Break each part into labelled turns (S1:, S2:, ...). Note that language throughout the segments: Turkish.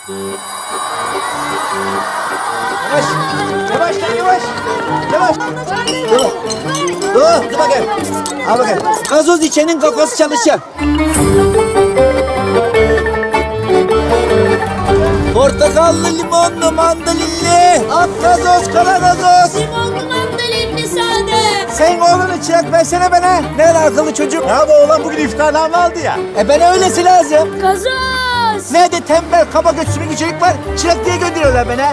S1: Yavaş. Yavaş lan yavaş. Yavaş. Dur bakayım. Al bakayım. Gazoz içenin kafası çalışacak. Portakallı, limonlu, mandalinli. At gazoz, kara gazoz.
S2: Limonlu mandalinli sade.
S1: Sen oğlunu çırak versene bana. Ne akıllı çocuk.
S3: Ya bu oğlan bugün iftardan aldı ya.
S1: Bana öylesi lazım.
S2: Gazoz.
S1: Nerede tembel, kaba göçsümü bir çocuk var. Çırak diye gönderiyorlar bana.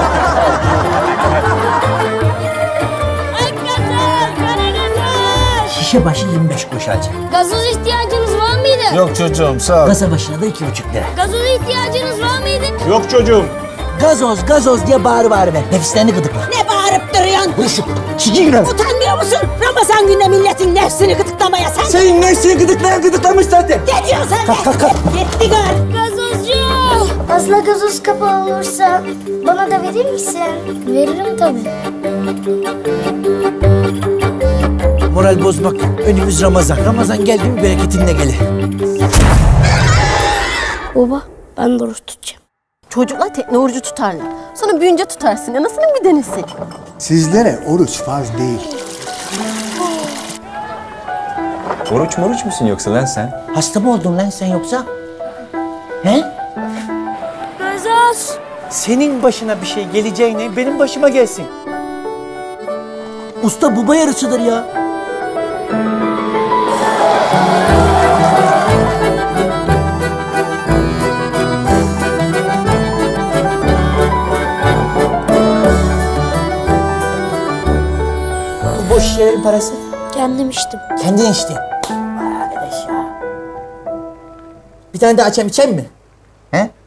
S2: Ak gazoz. Kara gazoz.
S4: Şişe başı 25 kuruş alacak.
S2: Gazoz ihtiyacınız var mıydı?
S3: Yok çocuğum sağ ol.
S4: Kasa başına da 2,5 lira.
S2: Gazoz ihtiyacınız var mıydı?
S3: Yok çocuğum.
S4: Gazoz, gazoz diye bağır ver. Nefislerini gıdıkla.
S5: Ne bağırıp duruyorsun?
S4: Buruşuk. Çiki girer.
S5: Utanmıyor musun? Ramazan günde milletin nefsini gıdıklamaya sen...
S1: Senin nefsini gıdıklamış zaten.
S5: Ne diyorsun sen de?
S1: Kalk.
S5: Gitti gör.
S2: Gazozcu.
S6: Fazla gazoz kapağı olursa bana da verir misin? Veririm tabii.
S1: Moral bozmak. Önümüz Ramazan. Ramazan geldi mi bereketinle gelir.
S6: Baba ben de oruç tutacağım.
S7: Çocuklar tekne orucu tutarlar. Sonra büyünce tutarsın. Anasının bir denesi.
S8: Sizlere oruç farz değil.
S9: Oruç moruç musun yoksa lan sen?
S4: Hasta mı oldun lan sen yoksa? He?
S2: Gazoz.
S1: Senin başına bir şey geleceğine benim başıma gelsin.
S4: Usta baba yarısıdır ya. Bu boş şişelerin parası.
S6: Kendim içtim.
S4: Kendin içtin. Vay arkadaş ya. Bir tane daha içem mi? He?